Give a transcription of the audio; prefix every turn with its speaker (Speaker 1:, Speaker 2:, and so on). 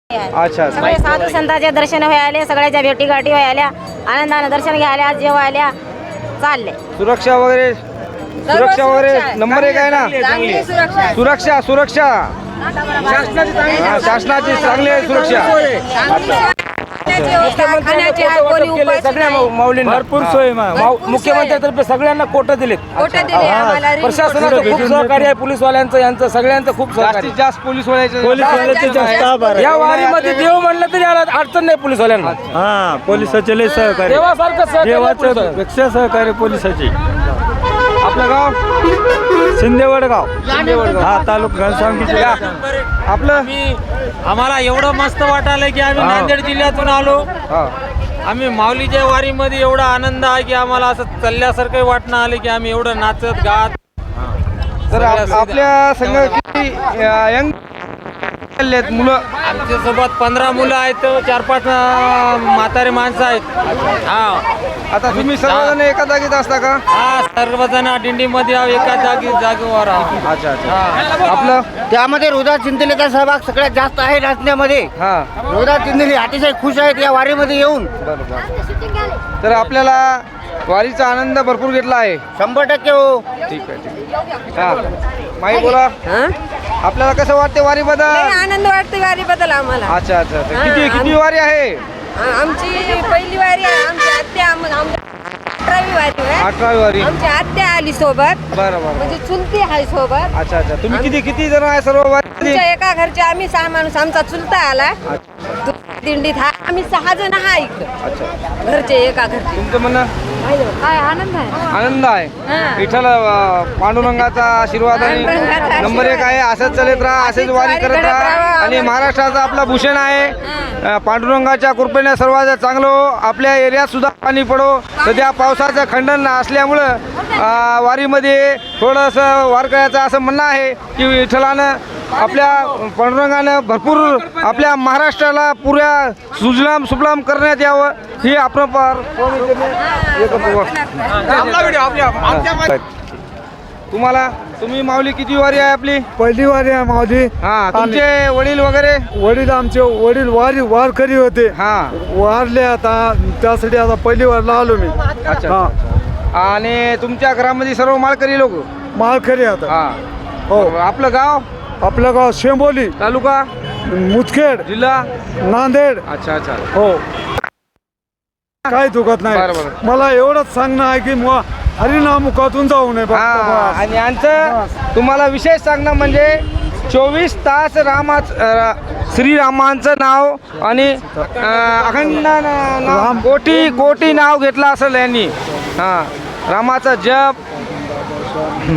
Speaker 1: अच्छा
Speaker 2: सगळे साधू संतांचे दर्शन व्हायले, सगळ्याच्या भेटी गाठी व्हायल्या, आनंदाने दर्शन घ्यायला जेवायला चालले.
Speaker 1: सुरक्षा वगैरे नंबर 1 आहे ना. सुरक्षा शासनाची चांगली आहे सुरक्षा.
Speaker 3: भरपूर सोय मुख्यमंत्र्यांतर्फे सगळ्यांना कोटे दिलेत. प्रशासनाचं खूप सहकार्य आहे, पोलीसवाल्यांचं यांचं सगळ्यांचं खूप सहकार्य.
Speaker 1: जास्तीत जास्त पोलीसवाल्याचे
Speaker 3: या वारीमध्ये देव म्हणलं तरी याला अडचण नाही पोलीसवाल्यांना.
Speaker 4: हा पोलिसाचे लय सहकार्य,
Speaker 3: देवासारखं
Speaker 4: देवाच्या पेक्षा सहकार्य पोलिसाचे.
Speaker 1: आपलं गाव
Speaker 4: शिंदेवडगाव हा तालुका घनसावंगी.
Speaker 1: आपलं
Speaker 5: आम्हाला एवढं मस्त वाटायलं की आम्ही नांदेड जिल्ह्यातून आलो. आम्ही माऊलीच्या वारीमध्ये एवढा आनंद आहे की आम्हाला असं चालल्यासारखं वाटणं आलं की आम्ही एवढं नाचत गात.
Speaker 1: तर आपल्या संघ किती यंग मुलं?
Speaker 5: आमच्यासोबत 15 मुलं आहेत, 4-5 म्हातारे माणसं आहेत. हा
Speaker 1: आता तुम्ही सर्वजण एका जागेत असता का?
Speaker 5: हा सर्वजण दिंडीमध्ये एका जागेवर आहोत.
Speaker 1: अच्छा अच्छा. आपलं
Speaker 6: त्यामध्ये रोहिदास चिंदेलेचा सहभाग सगळ्यात जास्त आहे नाचण्यामध्ये.
Speaker 1: हा
Speaker 6: रोहिदास चिंदेले अतिशय खुश आहेत या वारीमध्ये येऊन.
Speaker 1: बरोबर. तर आपल्याला वारीचा आनंद भरपूर घेतला आहे.
Speaker 6: 100% हो.
Speaker 1: ठीक आहे. हा माई बोला, आपल्याला कसं वाटते वारीबद्दल?
Speaker 2: आनंद वाटतो वारीबद्दल आम्हाला.
Speaker 1: अच्छा अच्छा. किती वारी आहे?
Speaker 2: आमची पहिली वारी आहे. आमची आत्या 18वी वारी आहे.
Speaker 1: 18वी वारी.
Speaker 2: आमची आत्या आली सोबत,
Speaker 1: बरं बरं.
Speaker 2: म्हणजे चुलती आहे सोबत.
Speaker 1: अच्छा अच्छा. तुम्ही किती जण आहे सर्व वारी?
Speaker 2: आमच्या एका घरचे आम्ही 6 माणूस. आमचा चुलता आला दिंडीत. आम्ही 6 जण हा इकडं
Speaker 1: अच्छा.
Speaker 2: घरचे एका घरचे.
Speaker 1: तुमचं म्हणणं?
Speaker 2: काय आनंद आहे.
Speaker 1: आनंद आहे. विठ्ठल पांडुरंगाचा आशीर्वाद आणि नंबर 1 आहे. असंच चालत राहा, असेच वारी करत राहा. आणि महाराष्ट्राचा आपला भूषण आहे. पांडुरंगाच्या कृपेने सर्वात चांगलं हो. आपल्या एरियात सुद्धा पाणी पडो. सध्या पावसाचं खंडन असल्यामुळं वारीमध्ये थोडंसं वारकऱ्याचं असं म्हणणं आहे की विठ्ठलानं आपल्या पांडुरंगानं भरपूर आपल्या महाराष्ट्राला पुऱ्या सुजलाम सुफलाम करण्यात यावं ही आपण तुम्ही माऊली किती वारी आहे आपली?
Speaker 4: पहिली वारी आहे माऊली.
Speaker 1: हा तुमचे वडील वगैरे?
Speaker 4: वडील आमचे वारकरी होते.
Speaker 1: हा
Speaker 4: वारले आता, त्यासाठी आता पहिली वारला आलो मी.
Speaker 1: अच्छा. आणि तुमच्या घरामध्ये सर्व माळकरी लोक?
Speaker 4: माळकरी आता.
Speaker 1: हा
Speaker 4: हो.
Speaker 1: आपलं गाव?
Speaker 4: आपलं गाव शेंबोली,
Speaker 1: तालुका
Speaker 4: मुदखेड,
Speaker 1: जिल्हा
Speaker 4: नांदेड.
Speaker 1: अच्छा अच्छा.
Speaker 4: हो. काही दुखत नाही.
Speaker 1: बरं.
Speaker 4: मला एवढंच सांगणं आहे की हरिनामुखातून जाऊ नये.
Speaker 1: हा. आणि यांचं तुम्हाला विशेष सांगणं म्हणजे 24 तास श्रीरामांचं नाव आणि अखंड नाव, कोटी नाव घेतलं असेल यांनी. हा रामाचा जप